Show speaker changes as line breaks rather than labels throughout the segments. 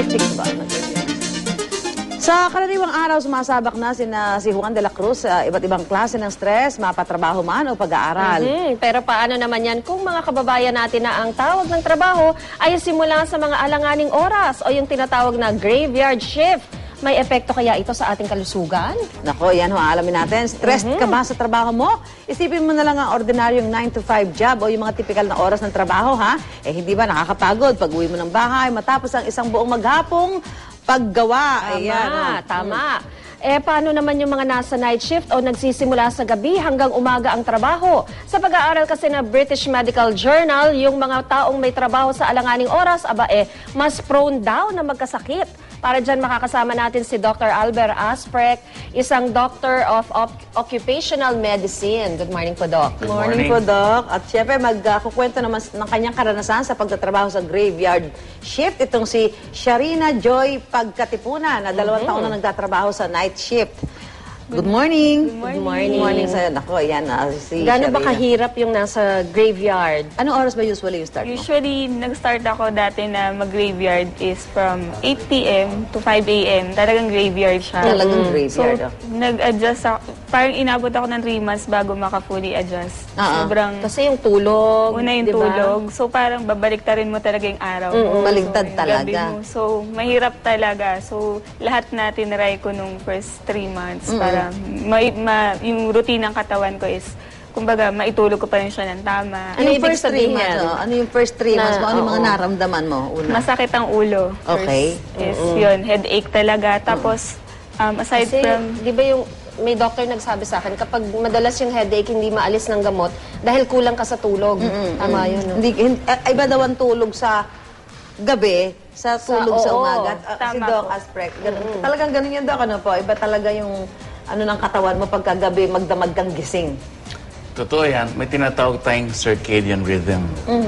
statistics ba? Sa karaniwang araw, sumasabak na si Juan de la Cruz sa iba't ibang klase ng stress, mapatrabaho man o pag-aaral.
Pero paano naman yan kung mga kababayan natin na ang tawag ng trabaho ay simula sa mga alanganing oras o yung tinatawag na graveyard shift? May epekto kaya ito sa ating kalusugan?
Nako, yan ho, alamin natin. Stressed ka ba sa trabaho mo? Isipin mo na lang ang ordinaryong 9 to 5 job o yung mga typical na oras ng trabaho, ha? Eh, hindi ba nakakapagod pag uwi mo ng bahay matapos ang isang buong maghapong paggawa?
Tama. Eh, paano naman yung mga nasa night shift o nagsisimula sa gabi hanggang umaga ang trabaho? Sa pag-aaral kasi na British Medical Journal, yung mga taong may trabaho sa alanganing oras, mas prone daw na magkasakit. Para dyan makakasama natin si Dr. Albert Asprek, isang Doctor of Occupational Medicine. Good morning po, Doc.
Good morning po, Doc. At syempre, magkukwento naman ng kanyang karanasan sa pagtatrabaho sa graveyard shift. Itong si Sharina Joy Pagkatipunan, na 2 taon na nagtatrabaho sa night shift. Good morning.
Good morning.
Good morning sa'yo. Nako, yan si
Gano'n ba
Sharina.
kahirap yung nasa graveyard?
Anong oras ba usually yung start mo?
Usually, nag-start ako dati na mag-graveyard is from 8 p.m. to 5 a.m. Talagang graveyard siya.
Talagang
So,
graveyard.
nag-adjust ako. Parang inabot ako ng 3 months bago maka-fully adjust. Sobrang
Kasi yung tulog,
una yung
di ba?
tulog. So, parang babaliktarin mo talaga yung araw mo.
Baligtad
So,
talaga.
gabi mo. So, mahirap talaga. So, lahat na tinry ko nung first 3 months para yung routine ng katawan ko is, kumbaga, maitulog ko pa rin siya ng tama.
Ano
Yung
ibig
first 3
sabihin?
months, ano yung first 3 months mo? Ano yung mga naramdaman mo? Una.
Masakit ang ulo.
Okay.
First is yun, headache talaga. Tapos, aside
Kasi,
from...
di ba yung may doctor nagsabi sa akin, kapag madalas yung headache, hindi maalis ng gamot dahil kulang ka sa tulog. Tama yun, no?
Iba daw ang tulog sa gabi, sa tulog sa
oo,
umaga. Si
tama
Doc
po.
Asprek, talagang ganun yun, Doc, ano po? Iba talaga yung ano ng katawan mo pagkagabi, magdamag kang gising.
Totoo yan. May tinatawag tayong circadian rhythm.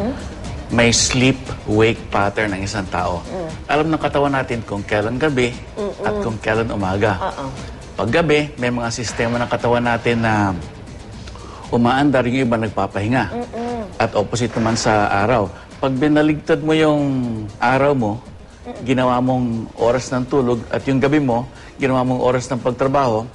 May sleep-wake pattern ng isang tao. Alam ng katawan natin kung kailan gabi at kung kailan umaga. Pag gabi, may mga sistema ng katawan natin na umaandar, yung iba nagpapahinga. At opposite naman sa araw. Pag binaligtad mo yung araw mo, ginawa mong oras ng tulog, at yung gabi mo, ginawa mong oras ng pagtrabaho,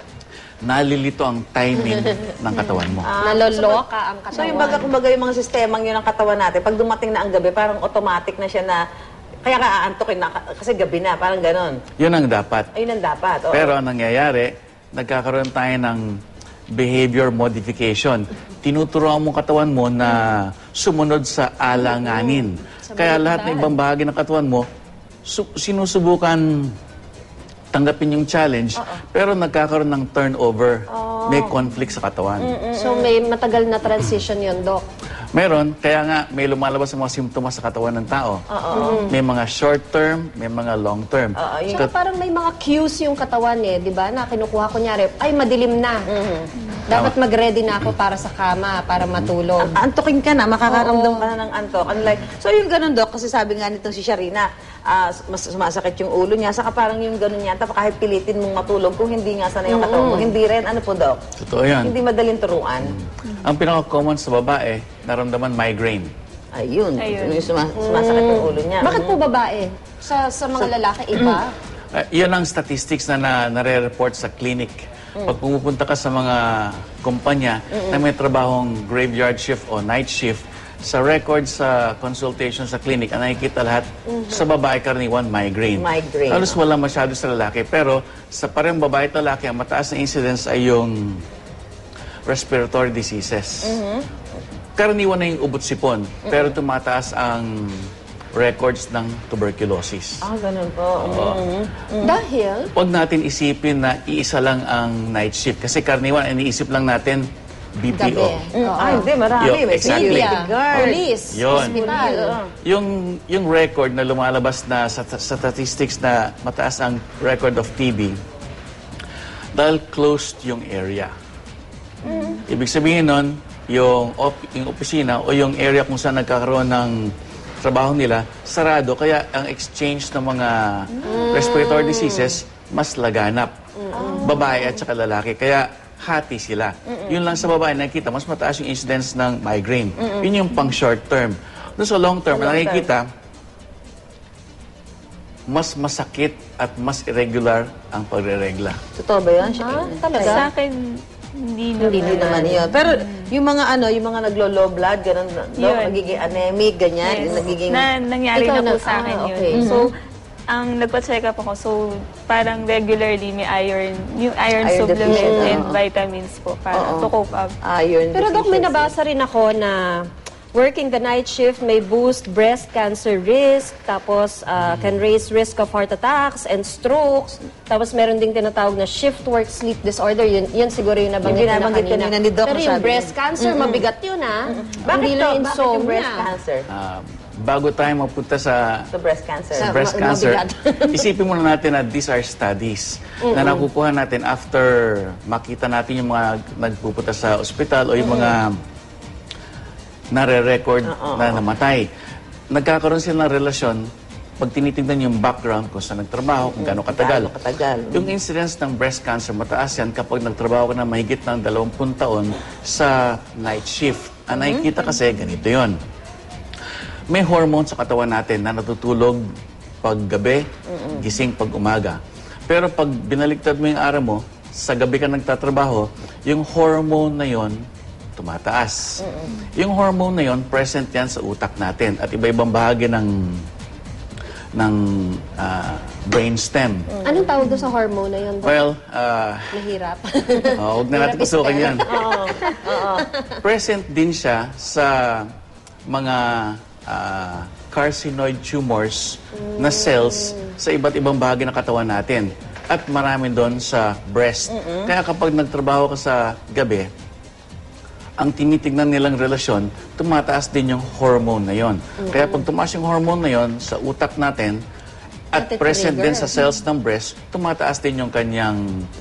nalilito ang timing ng katawan mo.
Naloloka ang katawan.
So yung kumbaga yung mga sistemang yun ng katawan natin, pag dumating na ang gabi, parang automatic na siya na, kaya ka aantokin na, kasi gabi na, parang ganon.
Yun ang dapat.
Ayun ang dapat. Oo.
Pero ang nangyayari, nagkakaroon tayo ng behavior modification. Tinuturuan mo katawan mo na sumunod sa alanganin. Kaya lahat ng ibang bahagi ng katawan mo, sinusubukan tanggapin yung challenge, pero nagkakaroon ng turnover. May conflict sa katawan.
So may matagal na transition yun, Doc.
Meron, kaya nga may lumalabas ang mga simptomas sa katawan ng tao. May mga short term, may mga long term.
Tsaka parang may mga cues yung katawan di ba? Na kinukuha ko nyari, ay madilim na. Dapat mag-ready na ako para sa kama, para matulog.
Antokin ka na, makakaramdam ka na ng antok. So yung ganun, Doc, kasi sabi nga nitong si Sharina, mas sumasakit yung ulo niya, saka parang yung ganun niya, tapos kahit pilitin mong matulog, kung hindi nga sana yung katawan mo, hindi rin, ano po, Doc?
Totoo yan.
Hindi madaling turuan.
Ang pinaka-common sa babae, naramdaman migraine.
Ayun. Yung sumasakit yung ulo niya.
Bakit po babae? Sa mga lalaki, iba?
Yan ang statistics na nare-report sa clinic. Pag pumupunta ka sa mga kumpanya na may trabahong graveyard shift o night shift, sa record sa consultation sa clinic, ang nakikita lahat, sa babae karaniwan, migraine.
Migraine.
Halos wala masyado sa lalaki. Pero sa parehong babae at lalaki, ang mataas na incidence ay yung respiratory diseases. Karaniwan na yung ubot-sipon, pero tumataas ang records ng tuberculosis.
Ganun po.
Dahil?
Huwag natin isipin na iisa lang ang night shift. Kasi karaniwan, iniisip lang natin BPO.
Gabi.
Hindi, marami. May
Exactly.
security guard.
Police,
Yun.
hospital.
Yung record na lumalabas na sa statistics na mataas ang record of TB, dahil closed yung area. Ibig sabihin nun, yung opisina o yung area kung saan nagkakaroon ng trabaho nila, sarado. Kaya ang exchange ng mga respiratory diseases, mas laganap. Babae at saka lalaki. Kaya hati sila. Yun lang sa babae, nakikita, mas mataas yung incidence ng migraine. Yun yung pang short term. Doon sa long term, nakikita, mas masakit at mas irregular ang pagre-regla.
Totoo ba yun?
Talaga?
Sa akin, hindi naman.
Hindi naman yun. Pero yung mga yung mga naglo-low blood, ganun,
Yun.
nagiging anemic, ganyan,
Yes.
nagiging...
Nangyari
Ikaw
na po
na-
sa akin yun.
okay.
So, ang nagpa-check up ako, so parang regularly may iron, yung iron
Iron
supplement
deficient,
and
oo.
vitamins po para to cope up.
Iron
Pero Doc, may
deficiency.
nabasa rin ako na working the night shift may boost breast cancer risk, tapos can raise risk of heart attacks and strokes. Tapos meron ding tinatawag na shift work sleep disorder. Yun siguro yung nabanggit
Yung
na
binabanggit
kanina.
kanina ni Doc,
Pero yung
sabi
breast
niya.
cancer, mabigat yun
Bakit
Hindi
to?
lang
Bakit yung breast
insomnia.
cancer?
Bago tayo mapunta sa
Sa breast cancer.
breast cancer,
mabigat.
isipin muna natin na these are studies na nakukuha natin after makita natin yung mga nagpupunta sa ospital o yung mga nare-record na namatay. Nagkakaroon sila ng relasyon pag tinitingnan yung background kung saan nagtrabaho, kung gaano katagal.
Gaano katagal.
Yung incidence ng breast cancer, mataas yan kapag nagtrabaho ka na mahigit ng 20 taon sa night shift. Ang nakikita kasi, ganito yon. May hormone sa katawan natin na natutulog pag gabi, gising pag umaga. Pero pag binaliktad mo yung araw mo, sa gabi ka nagtatrabaho, yung hormone na yon tumataas. Yung hormone na yon present yan sa utak natin at iba-ibang bahagi ng brainstem.
Anong tawag doon sa hormone na yun, Doc?
Well,
Mahirap.
huwag na natin pasukan yan. Present din siya sa mga carcinoid tumors na cells sa iba't ibang bahagi ng katawan natin. At marami doon sa breast. Kaya kapag nagtrabaho ka sa gabi, ang tinitignan nilang relasyon, tumataas din yung hormone na yon. Kaya pag tumaas yung hormone na yon sa utak natin at
Nati-trigger.
present din sa cells ng breast, tumataas din yung kanyang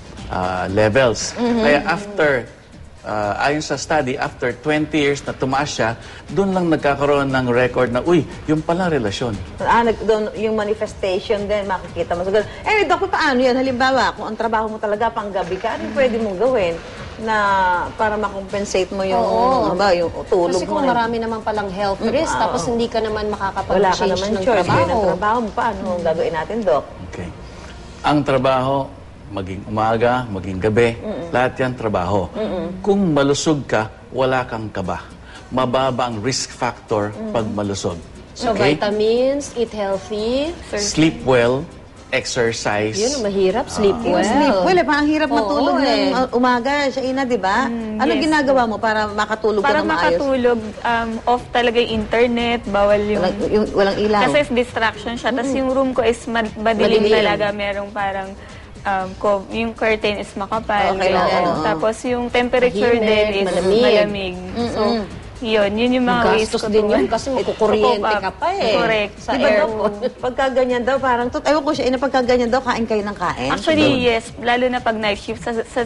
levels. Kaya after, ayon sa study, after 20 years na tumaas siya, doon lang nagkakaroon ng record na, uy, yung pala relasyon.
Doon, yung manifestation din, makikita mo. So, anyway, Doc, paano yan? Halimbawa, kung ang trabaho mo talaga pang gabi ka, ano pwede mong gawin na para makompensate mo yung, yung tulog
Kasi kung
mo?
marami naman palang health risk, tapos hindi ka naman
Wala ka
makakapag-change
naman
ng
choice. Yun ang
trabaho.
trabaho mo. Paano ang gagawin natin, Doc?
Okay. Ang trabaho, maging umaga, maging gabi, lahat yan trabaho. Kung malusog ka, wala kang kaba. Mababa ang risk factor pag malusog.
So, vitamins, eat healthy.
Sleep well, exercise.
Yun, mahirap. Sleep well.
Sleep well, parang hirap
Oo,
matulog ng umaga. Siya ina, di ba? Ano
yes.
ginagawa mo para makatulog
Para
ka na maayos?
makatulog, off talaga yung internet, bawal yung...
Walang ilaw.
Kasi distraction siya. Tapos yung room ko is madilim talaga. Merong parang yung curtain is makapal.
Okay,
ganyan.
oo.
Tapos yung temperature
Tahimik,
din is
malamig.
malamig. So, yun yung mga ways
Gastos
ko
din
to-
yun kasi magkukuryente
to cope up.
ka pa eh.
Correct.
Sa
Diba, Doc,
aircon.
pagka ganyan daw, parang, ewan ko siya, pagka ganyan daw, kain kayo ng kain.
Actually, yes. Lalo na pag night shift.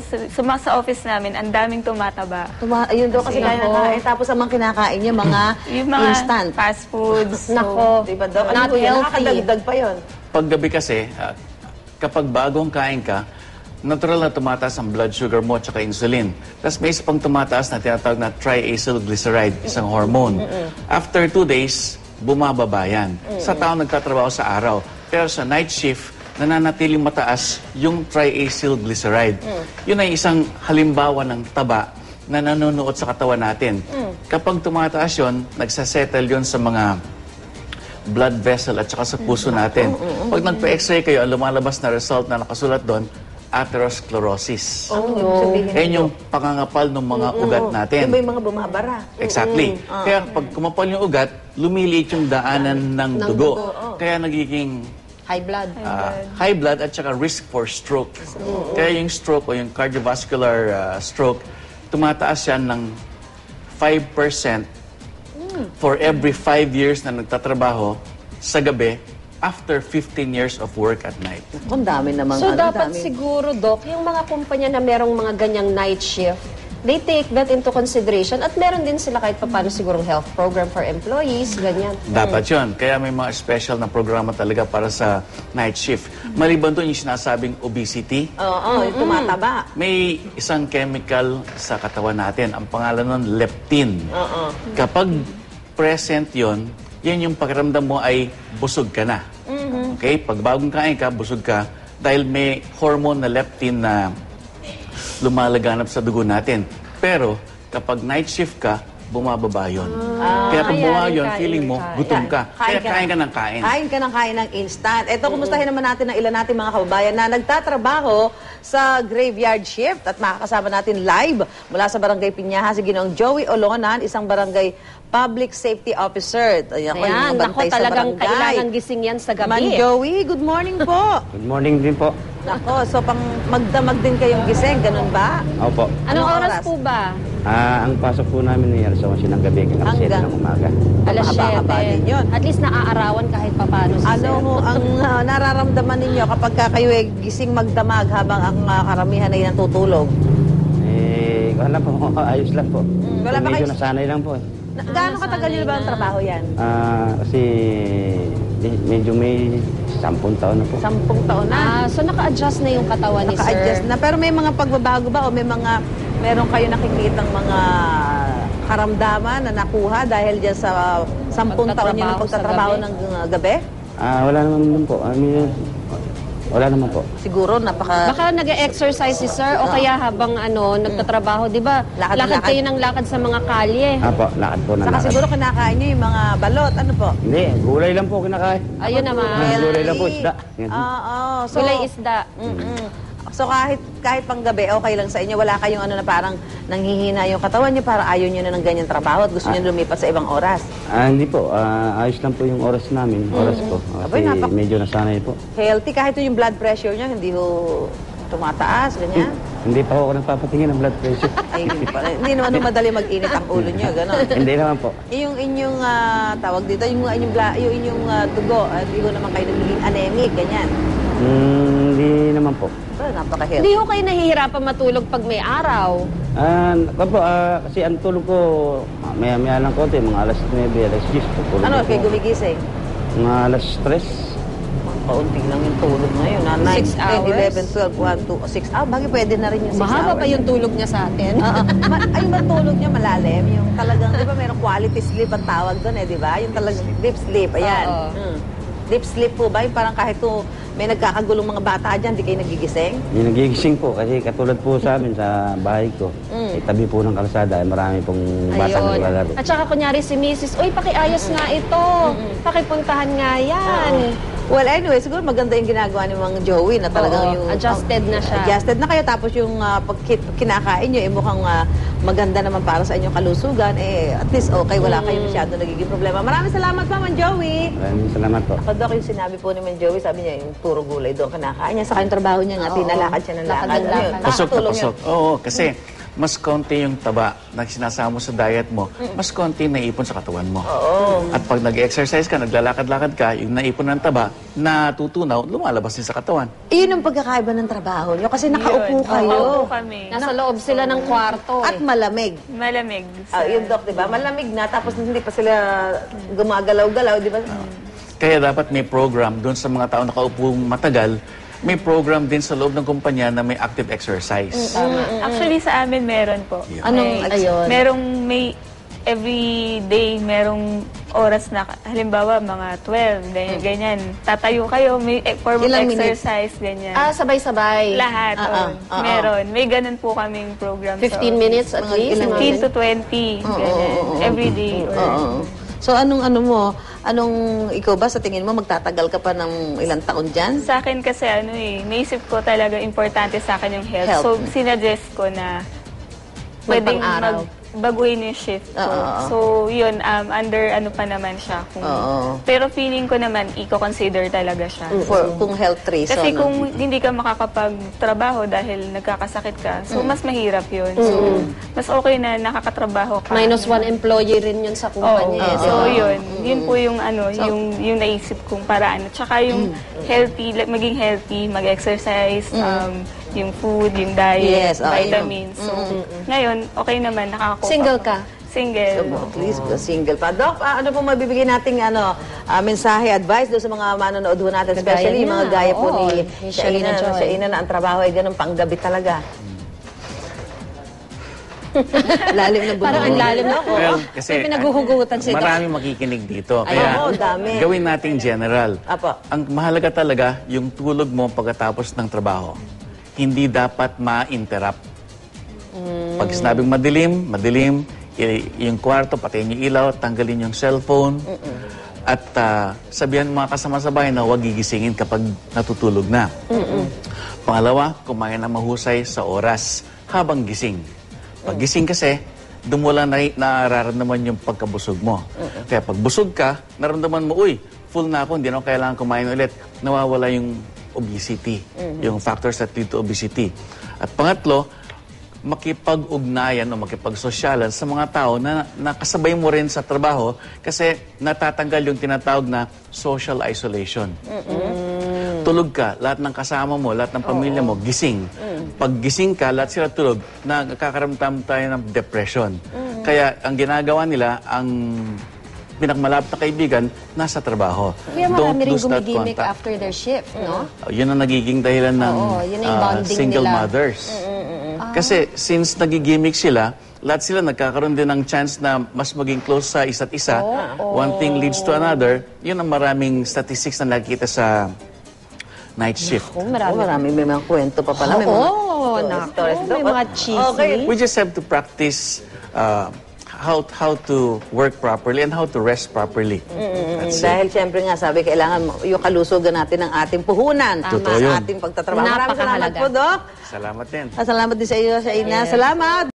Sa office namin, ang daming tumataba.
Ayun daw kasi kaya ng kain. Tapos ang mga kinakain niya, mga
Yung mga
instant.
fast foods.
Nako.
Diba, Doc?
Not
po yun?
healthy.
Nakakadagdag pa yun.
Paggabi kasi, kapag bagong kain ka, natural na tumataas ang blood sugar mo at saka insulin. Tapos may isa pang tumataas na tinatawag na triacylglyceride, isang hormone. After 2 days, bumababa yan. Sa tao nagtatrabaho sa araw. Pero sa night shift, nananatiling mataas yung triacylglyceride. Yun ay isang halimbawa ng taba na nanonood sa katawan natin. Kapag tumataas yun, nagsasettle yun sa mga blood vessel at saka sa puso natin. Pag nagpa-x-ray kayo, ang lumalabas na result na nakasulat doon, atherosclerosis.
Ano ibig sabihin?
Yan yung pangangapal ng mga ugat natin.
Diba yung mga bumabara?
Exactly. Kaya pag kumapal yung ugat, lumiliit yung daanan ng dugo. Kaya nagiging
High blood.
high blood at saka risk for stroke. Kaya yung stroke o yung cardiovascular stroke, tumataas yan ng 5% for every 5 years na nagtatrabaho sa gabi after 15 years of work at night.
Ang dami naman.
So, dapat
dami.
siguro, Doc, yung mga kumpanya na merong mga ganyang night shift, they take that into consideration at meron din sila kahit paano sigurong health program for employees, ganyan.
Dapat yun. Kaya may mga special na programa talaga para sa night shift. Maliban doon yung sinasabing obesity,
Oo, yung tumataba.
may isang chemical sa katawan natin. Ang pangalan nun, leptin. Kapag present yon, yan yung pakiramdam mo ay busog ka na. Okay? Pag bagong kain ka, busog ka, dahil may hormone na leptin na lumalaganap sa dugo natin. Pero, kapag night shift ka, bumababa yun. Kaya pag
kaya
bumaba
rin
yun,
kain
feeling mo,
kain.
gutom ka. Kaya kain ka ng kain.
Kain ka ng kain ng instant. Ito, kumustahin naman natin ang ilan natin mga kababayan na nagtatrabaho sa graveyard shift at makakasama natin live mula sa Barangay Pinyaha si Ginoong Joey Olonan, isang barangay public safety officer. Ayan, yung
Ayan,
mga
nako,
bantay sa
talagang
barangay.
kailangan gising yan sa gabi.
Man Joey, good morning po.
Good morning din po.
Nako, so pang magdamag din kayong gising, ganun ba?
Opo.
Anong
Anong
oras
oras?
po ba?
Ang pasok po namin ay alas 11 ng gabi hanggang 7
Hanggang-
ng umaga.
Alas
Mahaba-haba din yun.
7. At least naaarawan kahit papano si
Ano
Sir.
ho ang nararamdaman ninyo kapag kayo ay gising magdamag habang ang karamihan ay natutulog?
Wala po, ayos lang po.
Wala ba
Medyo
kayo-
nasanay lang po eh.
Gaano katagal nyo ba ang trabaho yan?
Kasi medyo may 10 taon na po.
10 taon na.
So naka-adjust na yung katawan ni Sir.
Naka-adjust na. Pero may mga pagbabago ba o meron kayo nakikitang mga karamdaman na nakuha dahil dyan sa 10 taon nyo ng
Pagtatrabaho sa
pagtatrabaho
gabi?
ng gabi?
Wala naman din po. Wala naman po.
Siguro napaka...
Baka nag-exercise si Sir o kaya habang nagtatrabaho, di ba?
Lakad-lakad.
Lakad kayo ng lakad sa mga kalye.
Apo, lakad po na
Saka
lakad.
siguro kinakain nyo yung mga balot. Ano po?
Hindi, gulay lang po kinakain.
Ayun naman.
Gulay lang po, isda.
Oo. So,
Gulay isda.
So kahit pang gabi, okay lang sa inyo. Wala kayong na parang nanghihina yung katawan nyo para ayaw nyo na ng ganyan trabaho at gusto nyo lumipat sa ibang oras.
Hindi po, ayos lang po yung oras namin, oras ko.
Abay,
Kasi medyo nasanay po.
Healthy, kahit yung blood pressure nyo, hindi ho tumataas, ganyan.
Hindi pa ako nagpapatingin ng blood pressure.
Ay, hindi naman madali mag-init ang ulo nyo, gano'n.
Hindi naman po.
Yung inyong tawag dito, yung inyong dugo, hindi ho naman kayo nagiging anemic, ganyan.
Hindi naman po.
So, napaka-healthy.
Hindi ko kayo nahihirapan matulog pag may araw.
Kasi ang tulog ko, maya-maya lang konti, mga alas 9, alas 10 po. Tulog
Ano,
ako.
kayo gumigising?
Mga alas 3.
Kaunti lang yung tulog ngayon.
6
9,
hours?
10, 11, 12, 1, 2, 6 hours. Bagay pwede na rin yung 6 hours.
Mahaba pa yung tulog niya sa atin.
Ay, matulog niya malalim. Yung talagang, di ba, merong quality sleep ang tawag doon di ba? Yung talagang deep sleep. Ayan.
Oo.
Deep sleep po ba? Yung parang kahit may nagkakagulong mga bata dyan, di kayo nagigising?
Yung nagigising po, kasi katulad po sa amin, sa bahay ko, tabi po ng kalsada, marami pong batang
Ayun.
naglalaro.
At saka kunyari si Mrs. Uy, pakiayos nga ito. Pakipuntahan nga yan.
Well, anyway, siguro maganda yung ginagawa ni Mang Joey na talagang
Oo,
yung...
adjusted na siya.
Adjusted na kayo. Tapos yung pag kinakain nyo, mukhang maganda naman para sa inyong kalusugan. At least okay, wala kayo masyado nagiging problema. Maraming salamat pa, Mang Joey.
Maraming salamat po.
Ako, Dok, yung sinabi po ni Mang Joey, sabi niya, yung puro gulay doon kinakain niya. Saka yung trabaho niya nga, tinalakad siya ng
Lakad
lakad.
ng
Ano yun?
lakad.
Pasok na
Nakakatulong
pasok.
yun.
Oo, kasi mas konti yung taba na sinasama mo sa diet mo, mas konti naipon sa katawan mo. At pag nag-exercise ka, naglalakad-lakad ka, yung naipon ng taba, natutunaw, lumalabas din sa katawan.
Iyon ang pagkakaiba ng trabaho niyo kasi nakaupo
Yun.
kayo.
Nakaupo kami.
Nasa loob sila ng kwarto.
At malamig.
Malamig.
Yung Dok, di ba? Malamig na, tapos hindi pa sila gumagalaw-galaw, di ba?
Kaya dapat may program doon sa mga tao nakaupo matagal, may program din sa loob ng kumpanya na may active exercise.
Actually, sa amin meron po.
Anong, ayun?
May every day, merong oras na, halimbawa, mga 12, ganyan. Tatayo kayo, may form of
Ilang minutes?
exercise, ganyan.
Sabay-sabay.
Lahat, meron. May ganun po kaming program.
15 minutes at
Mga
least.
ilang
15 to 20, ganyan. Every day.
Oo. So, anong ikaw ba sa tingin mo, magtatagal ka pa ng ilang taon dyan?
Sa akin kasi naisip ko talaga importante sa akin yung health.
Health.
So, sinuggest ko na pwedeng
Magpang-araw.
baguhin yung shift ko. So, yun, under pa naman siya. Pero feeling ko naman, i-consider talaga siya.
Kung health reason.
Kasi kung hindi ka makakapagtrabaho dahil nagkakasakit ka, so mas mahirap yun. So, mas okay na nakakatrabaho ka.
-1 employee rin yun sa
Oo.
kumpanya.
So, yun po yung yung naisip kong paraan. At saka yung healthy, maging healthy, mag-exercise, yung food, yung diet,
Yes,
vitamins. So, ngayon, okay naman, nakakakuha.
Single ka?
Single.
At least single pa. Doc, ano po mabibigay nating mensahe, advice doon sa mga manonood ho natin,
Kagaya
especially yung mga
niya.
gaya po
Oo,
ni
ni Shalina Joy.
Shaina na ang trabaho ay ganun panggabi talaga. Lalim na bunga.
Parang ang lalim na ako.
Well, kasi
May pinaghuhugutan sila.
maraming makikinig dito.
Ay,
Kaya
oo, dami.
gawin nating general.
Apo.
Ang mahalaga talaga, yung tulog mo pagkatapos ng trabaho. Hindi dapat ma-interrupt. Pag sinabing madilim, yung kwarto, patayin yung ilaw, tanggalin yung cellphone. At sabihan mga kasama sa bahay na huwag gigisingin kapag natutulog na. Pangalawa, kumain na mahusay sa oras habang gising. Pag gising kasi, doon mo lang nararamdaman yung pagkabusog mo. Kaya pag busog ka, naramdaman mo, uy, full na ako, hindi na ako kailangan kumain ulit. Nawawala yung obesity, yung factors that lead to obesity. At pangatlo, makipag-ugnayan o makipag-sosyalan sa mga tao na nakasabay mo rin sa trabaho kasi natatanggal yung tinatawag na social isolation. Tulog ka, lahat ng kasama mo, lahat ng pamilya mo, gising. Pag gising ka, lahat sila tulog, nakakaramdam tayo ng depression. Kaya ang ginagawa nila, ang pinakamalapit na kaibigan, nasa trabaho.
Kaya marami rin
lose that
gumigimik
contact.
after their shift, no?
Yun ang nagiging dahilan ng
Oo, yun ang bonding
single
nila.
mothers. Kasi since nagigimik sila, lahat sila nagkakaroon din ng chance na mas maging close sa isa't isa. One thing leads to another. Yun ang maraming statistics na nakikita sa night shift.
Oh, marami.
Marami, may mga kwento pa pala. May mga stories
may
daw.
mga cheesy.
Okay.
We just have to practice how to work properly and how to rest properly. That's it.
Dahil siyempre nga, sabi, kailangan yung kalusugan natin ng ating puhunan
Totoo
sa
yun.
ating pagtatrabaho. Maraming salamat
Napakahalaga.
po, Doc.
Salamat din.
Salamat din sa iyo, sa Ina. Salamat.